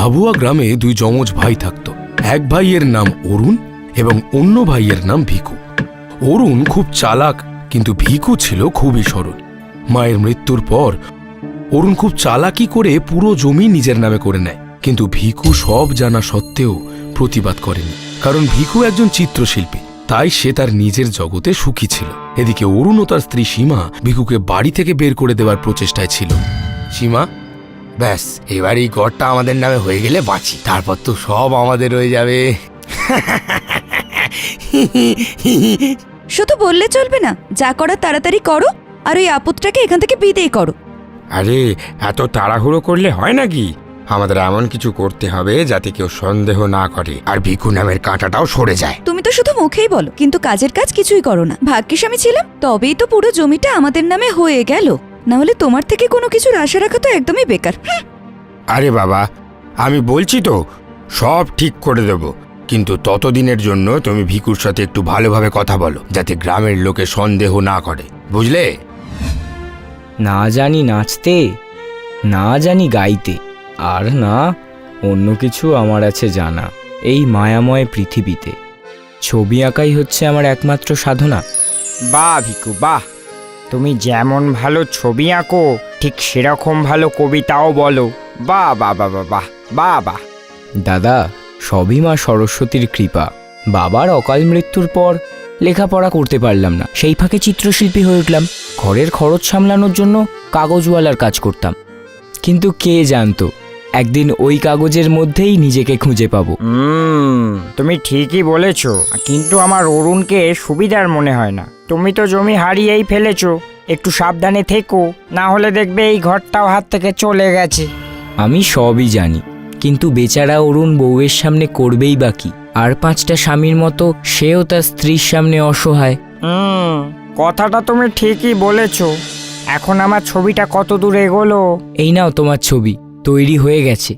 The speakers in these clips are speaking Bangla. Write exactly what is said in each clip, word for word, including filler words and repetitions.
ভাবুয়া গ্রামে দুই যমজ ভাই থাকত। এক ভাইয়ের নাম অরুণ এবং অন্য ভাইয়ের নাম ভিকু। অরুণ খুব চালাক, কিন্তু ভিকু ছিল খুবই সরল। মায়ের মৃত্যুর পর অরুণ খুব চালাকি করে পুরো জমি নিজের নামে করে নেয়, কিন্তু ভিকু সব জানা সত্ত্বেও প্রতিবাদ করেনি, কারণ ভিকু একজন চিত্রশিল্পী, তাই সে তার নিজের জগতে সুখী ছিল। এদিকে অরুণ ও তার স্ত্রী সীমা ভিকুকে বাড়ি থেকে বের করে দেওয়ার প্রচেষ্টায় ছিল। সীমা, ব্যাস এবার এই ঘরটা আমাদের নামে হয়ে গেলে বাঁচি, তারপর তো সব আমাদের হয়ে যাবে। শুধু বললে চলবে না, যা করার তাড়াতাড়ি করো, আর ওই আপদটাকে এখান থেকে বিদেয় করো। আরে এত তাড়াহুড়ো করলে হয় নাকি? আমাদের এমন কিছু করতে হবে যাতে কেউ সন্দেহ না করে, আর ভিকু নামের কাঁটাটাও সরে যায়। তুমি তো শুধু মুখেই বলো, কিন্তু কাজের কাজ কিছুই করো না। ভাগ্যিস আমি ছিলাম, তবেই তো পুরো জমিটা আমাদের নামে হয়ে গেল, না হলে তোমার থেকে কোনো কিছুর আশা রাখা তো একদমই বেকার। আরে বাবা, আমি বলছি তো সব ঠিক করে দেব, কিন্তু ততদিনের জন্য তুমি ভিকুর সাথে একটু ভালোভাবে কথা বলো, যাতে গ্রামের লোকে সন্দেহ না করে, বুঝলে? না জানি নাচতে, না জানি গাইতে, আর না অন্য কিছু আমার আছে জানা। এই মায়াময় পৃথিবীতে ছবি আঁকাই হচ্ছে আমার একমাত্র সাধনা। বাহ ভিকু বাহ, তুমি যেমন ভালো ছবি আঁকো ঠিক সেরকম ভালো কবিতাও বলো। বাহ বাহ বাহ বাহ বাহ বাহ বাহ। দাদা, সবই মা সরস্বতীর কৃপা। বাবার অকাল মৃত্যুর পর লেখাপড়া করতে পারলাম না, সেই ফাঁকে চিত্রশিল্পী হয়ে উঠলাম। ঘরের খরচ সামলানোর জন্য কাগজওয়ালার কাজ করতাম, কিন্তু কে জানতো একদিন ওই কাগজের মধ্যেই নিজেকে খুঁজে পাবো। হুম, তুমি ঠিকই বলেছ, কিন্তু আমার অরুণকে সুবিধার মনে হয় না। তুমি তো জমি হারিয়েই ফেলেছো, একটু সাবধানে থেকো, না হলে দেখবে এই ঘরটাও হাত থেকে চলে গেছে। আমি সবই জানি, কিন্তু বেচারা অরুণ বউয়ের সামনে করবেই বাকি, আর পাঁচটা স্বামীর মতো সেও তার স্ত্রীর সামনে অসহায়। হুম, কথাটা তুমি ঠিকই বলেছো। এখন আমার ছবিটা কত দূর এগোলো? এই নাও তোমার ছবি, তৈরি হয়ে গেছে।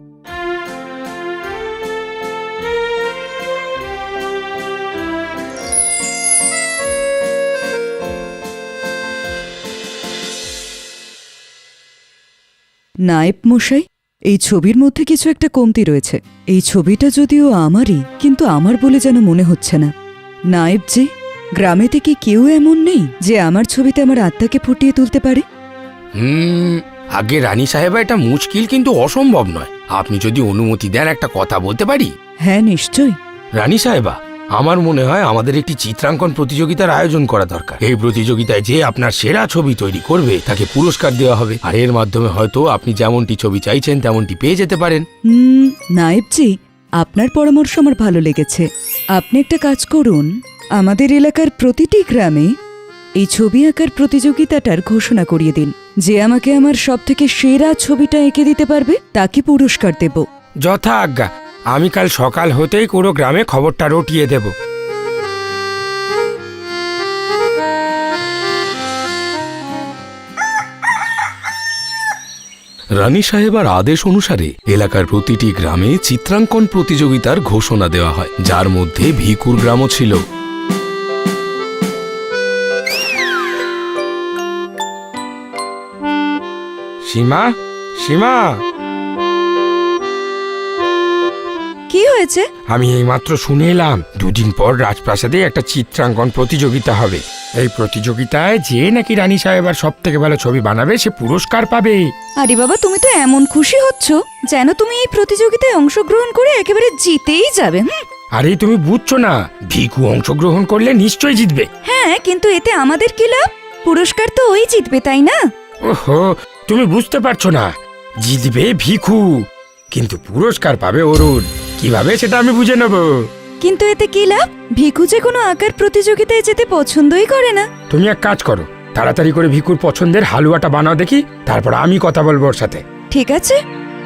নায়েব মশাই, এই ছবির মধ্যে কিছু একটা কমতি রয়েছে। এই ছবিটা যদিও আমারই, কিন্তু আমার বলে যেন মনে হচ্ছে না। নায়েব জি, গ্রামেতে কি কেউ এমন নেই যে আমার ছবিতে আমার আত্মাকে ফুটিয়ে তুলতে পারে? হুম আগে রানী সাহেবা, এটা মুশকিল কিন্তু অসম্ভব নয়। আপনি যদি অনুমতি দেন একটা কথা বলতে পারি? হ্যাঁ, নিশ্চয়ই। রানী সাহেবা, আমার মনে হয় আমাদের একটি চিত্রাঙ্কন প্রতিযোগিতার আয়োজন করা দরকার। এই প্রতিযোগিতায় যে আপনার সেরা ছবি তৈরি করবে তাকে পুরস্কার দেওয়া হবে, আর এর মাধ্যমে হয়তো আপনি যেমনটি ছবি চাইছেন তেমনটি পেয়ে যেতে পারেন। হুম নায়েবজি, আপনার পরামর্শ আমার ভালো লেগেছে। আপনি একটা কাজ করুন, আমাদের এলাকার প্রতিটি গ্রামে এই ছবি আঁকার প্রতিযোগিতাটার ঘোষণা করিয়ে দিন। যে আমাকে আমার সবথেকে সেরা ছবিটা এঁকে দিতে পারবে তাকে পুরস্কার দেব। যথা আজ্ঞা, আমি কাল সকাল হতেই পুরো গ্রামে খবরটা রটিয়ে দেব। রানী সাহেবার আদেশ অনুসারে এলাকার প্রতিটি গ্রামে চিত্রাঙ্কন প্রতিযোগিতার ঘোষণা দেওয়া হয়, যার মধ্যে ভিকুর গ্রামও ছিল। সীমা, সীমা, কি হয়েছে? আমি এইমাত্র শুনে এলাম দুদিন পর রাজপ্রাসাদে একটা চিত্রাঙ্কন প্রতিযোগিতা হবে। এই প্রতিযোগিতায় যে নাকি রানী সাহেবার সব থেকে ভালো ছবি বানাবে সে পুরস্কার পাবে। আরে বাবা, তুমি তো এমন খুশি হচ্ছ যেন তুমি এই প্রতিযোগিতায় অংশগ্রহণ করে একেবারে জিতেই যাবে। হুম। আরে তুমি বুঝছো না, ভিকু অংশগ্রহণ করলে নিশ্চয়ই জিতবে। হ্যাঁ, কিন্তু এতে আমাদের কি লাভ? পুরস্কার তো ওই জিতবে, তাই না? ওহো, তুমি বুঝতে পারছো না, জিতবে ভিকু, কিন্তু পুরস্কার পাবে অরুণ। কিভাবে সেটা আমি বুঝে নেব। কিন্তু এতে কি লাভ? ভিকু যে কোনো আঁকার প্রতিযোগিতায় যেতে পছন্দই করে না। তুমি এক কাজ করো, তাড়াতাড়ি করে ভিকুর পছন্দের হালুয়াটা বানাও দেখি, তারপর আমি কথা বলবো ওর সাথে। ঠিক আছে।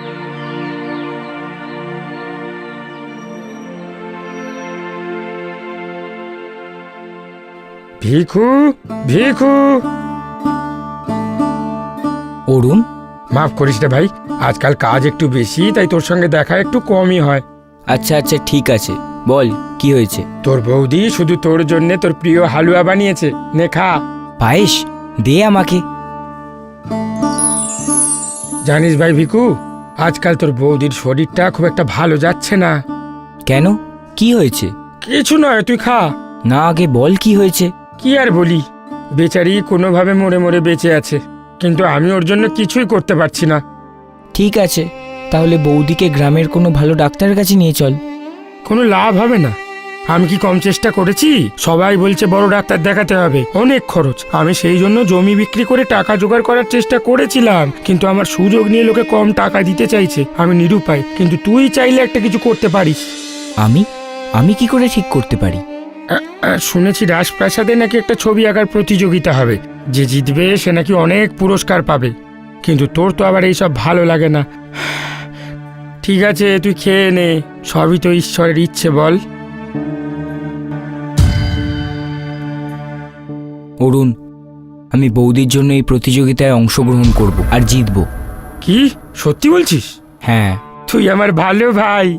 ভিকু, ভিকু। অরুণ, মাফ করিস রে ভাই, আজকাল কাজ একটু বেশি, তাই তোর সঙ্গে দেখা একটু কমই হয়। আচ্ছা আচ্ছা ঠিক আছে, বল কি হয়েছে? তোর বৌদি শুধু তোর জন্য তোর প্রিয় হালুয়া বানিয়েছে, নে খা। পায়েস দে আমাকে। জানিস ভাই ভিকু, আজকাল তোর বৌদির শরীরটা খুব একটা ভালো যাচ্ছে না। কেন, কি হয়েছে? কিছু নয়, তুই খা। না, আগে বল কি হয়েছে। কি আর বলি, বেচারি কোনোভাবে মরে মরে বেঁচে আছে, কিন্তু আমি ওর জন্য কিছুই করতে পারছি না। ঠিক আছে, তাহলে বৌদিকে গ্রামের কোনো ভালো ডাক্তারের কাছে নিয়ে চল। কোনো লাভ হবে না। আমি কি কম চেষ্টা করেছি? সবাই বলছে বড় ডাক্তার দেখাতে হবে, অনেক খরচ। আমি সেই জন্য জমি বিক্রি করে টাকা জোগাড় করার চেষ্টা করেছিলাম, কিন্তু আমার সুযোগ নিয়ে লোকে কম টাকা দিতে চাইছে। আমি নিরুপায়, কিন্তু তুই চাইলে একটা কিছু করতে পারিস। আমি আমি কি করে ঠিক করতে পারি? আ, আ, শুনেছি রাজপ্রাসাদে নাকি একটা ছবি আঁকার প্রতিযোগিতা হবে, যে জিতবে সে নাকি অনেক পুরস্কার পাবে। কিন্তু তোর তো আবার এইসব ভালো লাগে না। ঠিক আছে, তুই খেয়ে নে, সবই তো ঈশ্বরের ইচ্ছে। বল। অরুণ, আমি বৌদির জন্য এই প্রতিযোগিতায় অংশগ্রহণ করব আর জিতব। কি সত্যি বলছিস? হ্যাঁ। তুই আমার ভালো ভাই।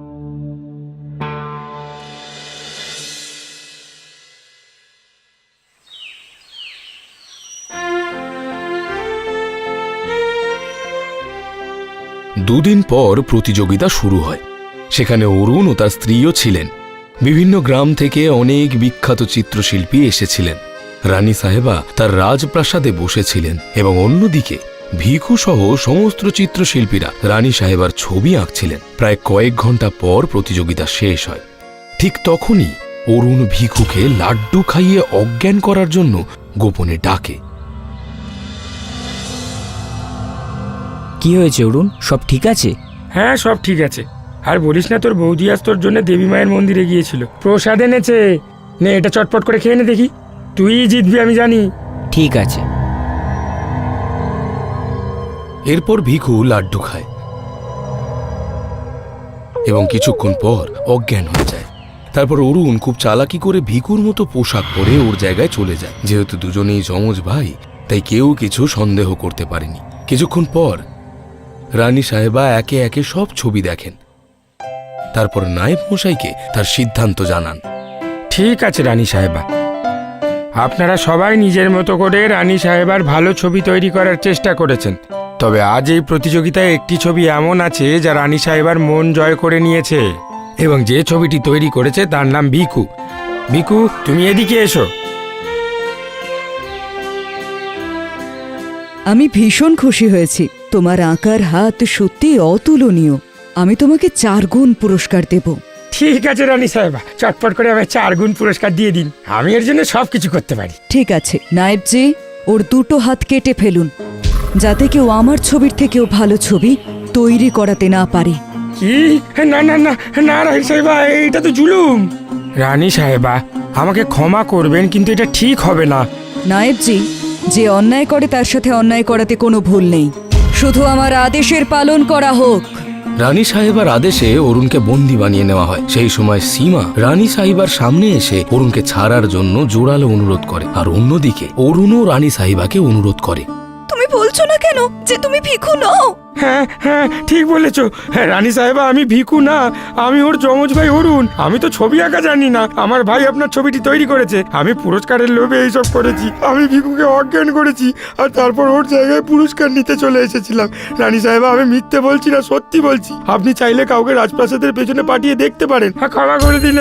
দুদিন পর প্রতিযোগিতা শুরু হয়। সেখানে অরুণ ও তার স্ত্রীও ছিলেন। বিভিন্ন গ্রাম থেকে অনেক বিখ্যাত চিত্রশিল্পী এসেছিলেন। রানী সাহেবা তার রাজপ্রাসাদে বসেছিলেন এবং অন্যদিকে ভিখু সহ সমস্ত চিত্রশিল্পীরা রানী সাহেবার ছবি আঁকছিলেন। প্রায় কয়েক ঘন্টা পর প্রতিযোগিতা শেষ হয়। ঠিক তখনই অরুণ ভিখুকে লাড্ডু খাইয়ে অজ্ঞান করার জন্য গোপনে ডাকে। কি হয়েছে অরুণ, সব ঠিক আছে? হ্যাঁ, সব ঠিক আছে। আর বলিস না, তোর বৌদি আজ তোর জন্য দেবী মায়ের মন্দিরে গিয়েছিল, প্রসাদ এনেছে। নে, এটা চটপট করে খেয়ে নে দেখি, তুই জিতবি আমি জানি। ঠিক আছে। এরপর ভিখু লাড্ডু খায় এবং কিছুক্ষণ পর অজ্ঞান হয়ে যায়। তারপর অরুণ খুব চালাকি করে ভিখুর মতো পোশাক পরে ওর জায়গায় চলে যায়। যেহেতু দুজনেই যমজ ভাই, তাই কেউ কিছু সন্দেহ করতে পারেনি। কিছুক্ষণ পর রানী সাহেবা একে একে সব ছবি দেখেন। তারপর নায়েব মশাইকে তার সিদ্ধান্ত জানান। ঠিক আছে রানী সাহেবা, আপনারা সবাই নিজের মতো করে রানী সাহেবার ভালো ছবি তৈরি করার চেষ্টা করেছেন, তবে আজ এই প্রতিযোগিতায় একটি ছবি এমন আছে যা রানী সাহেবার মন জয় করে নিয়েছে, এবং যে ছবিটি তৈরি করেছে তার নাম ভিখু। ভিখু, তুমি এদিকে এসো। আমি ভীষণ খুশি হয়েছি। তোমার আঁকার হাত সত্যি অতুলনীয়। আমি তোমাকে চার গুণ পুরস্কার দেব। ঠিক আছে রানী সাহেবা, চটপট করে আমায় চার গুণ পুরস্কার দিয়ে দিন, আমি এর জন্য সব কিছু করতে পারি। ঠিক আছে নায়েবজি, ওর দুটো হাত কেটে ফেলুন, যাতে কেউ আমার ছবির থেকেও ভালো ছবি তৈরি করাতে না পারে। কি? না না না না রানী সাহেবা, এটা তো জুলুম। রানী সাহেবা, আমাকে ক্ষমা করবেন, কিন্তু এটা ঠিক হবে না। নায়েবজি, যে অন্যায় করে তার সাথে অন্যায় করাতে কোনো ভুল নেই, শুধু আমার আদেশের পালন করা হোক। রানী সাহেবার আদেশে অরুণকে বন্দি বানিয়ে নেওয়া হয়। সেই সময় সীমা রানী সাহেবার সামনে এসে অরুণকে ছাড়ার জন্য জোরালো অনুরোধ করে, আর অন্যদিকে অরুণও রানী সাহেবাকে অনুরোধ করে। তুমি বলছো না কেন যে তুমি ভিখু নও? হ্যাঁ হ্যাঁ, ঠিক বলেছ। হ্যাঁ রানী সাহেবা, আমি ভিখু না, আমি ওর যমজ ভাই অরুণ। আমি তো ছবি আঁকা জানি না, আমার ভাই আপনার ছবিটি তৈরি করেছে। আমি পুরস্কারের লোভে এইসব করেছি। আমি ভিখুকে অজ্ঞান করেছি, আর তারপর ওর জায়গায় পুরস্কার নিতে চলে এসেছিলাম। রানী সাহেবা, আমি মিথ্যে বলছি না, সত্যি বলছি। আপনি চাইলে কাউকে রাজপ্রাসাদের পেছনে পাঠিয়ে দেখতে পারেন। হ্যাঁ, ক্ষমা করে দিন।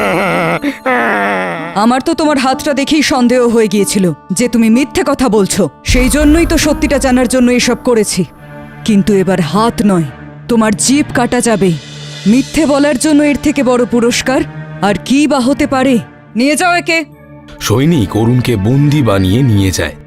আমার তো তোমার হাতটা দেখেই সন্দেহ হয়ে গিয়েছিল যে তুমি মিথ্যে কথা বলছো। সেই জন্যই তো সত্যিটা জানার জন্য এসব করেছি। কিন্তু এবার হাত নয়, তোমার জিভ কাটা যাবে। মিথ্যে বলার জন্য এর থেকে বড় পুরস্কার আর কি বা হতে পারে? নিয়ে যাও একে। সৈনিক অরুণকে বন্দি বানিয়ে নিয়ে যায়।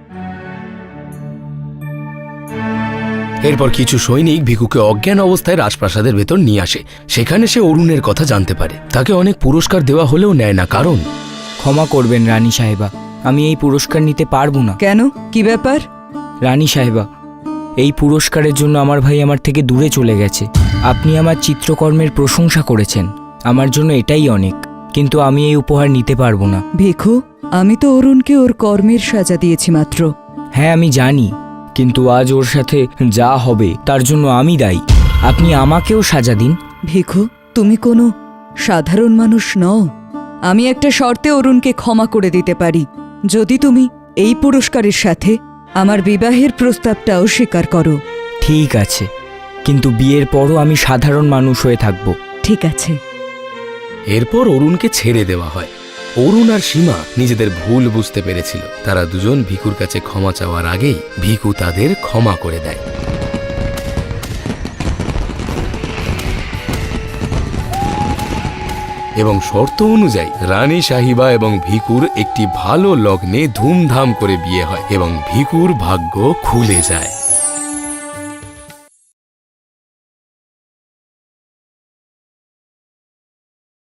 এরপর কিছু সৈনিক ভিখুকে অজ্ঞান অবস্থায় রাজপ্রাসাদের ভেতর নিয়ে আসে। সেখানে সে অরুণের কথা জানতে পারে। তাকে অনেক পুরস্কার দেওয়া হলেও নেয় না, কারণ ক্ষমা করবেন রানী সাহেবা, আমি এই পুরস্কার নিতে পারবো না। কেন, কি ব্যাপার? রানী সাহেবা, এই পুরস্কারের জন্য আমার ভাই আমার থেকে দূরে চলে গেছে। আপনি আমার চিত্রকর্মের প্রশংসা করেছেন, আমার জন্য এটাই অনেক, কিন্তু আমি এই উপহার নিতে পারবো না। ভিখু, আমি তো অরুণকে ওর কর্মের সাজা দিয়েছি মাত্র। হ্যাঁ আমি জানি, কিন্তু আজ ওর সাথে যা হবে তার জন্য আমি দায়ী। আপনি আমাকেও সাজা দিন। ভিখু, তুমি কোনো সাধারণ মানুষ নও। আমি একটা শর্তে অরুণকে ক্ষমা করে দিতে পারি, যদি তুমি এই পুরস্কারের সাথে আমার বিবাহের প্রস্তাবটাও স্বীকার করো। ঠিক আছে, কিন্তু বিয়ের পরও আমি সাধারণ মানুষ হয়ে থাকব। ঠিক আছে। এরপর অরুণকে ছেড়ে দেওয়া হয়। অরুণ আর সীমা নিজেদের ভুল বুঝতে পেরেছিল। তারা দুজন ভিকুর কাছে ক্ষমা চাওয়ার আগেই ভিকু তাদের ক্ষমা করে দেয়। এবং শর্ত অনুযায়ী রানী সাহিবা এবং ভিকুর একটি ভালো লগ্নে ধুমধাম করে বিয়ে হয় এবং ভিকুর ভাগ্য খুলে যায়।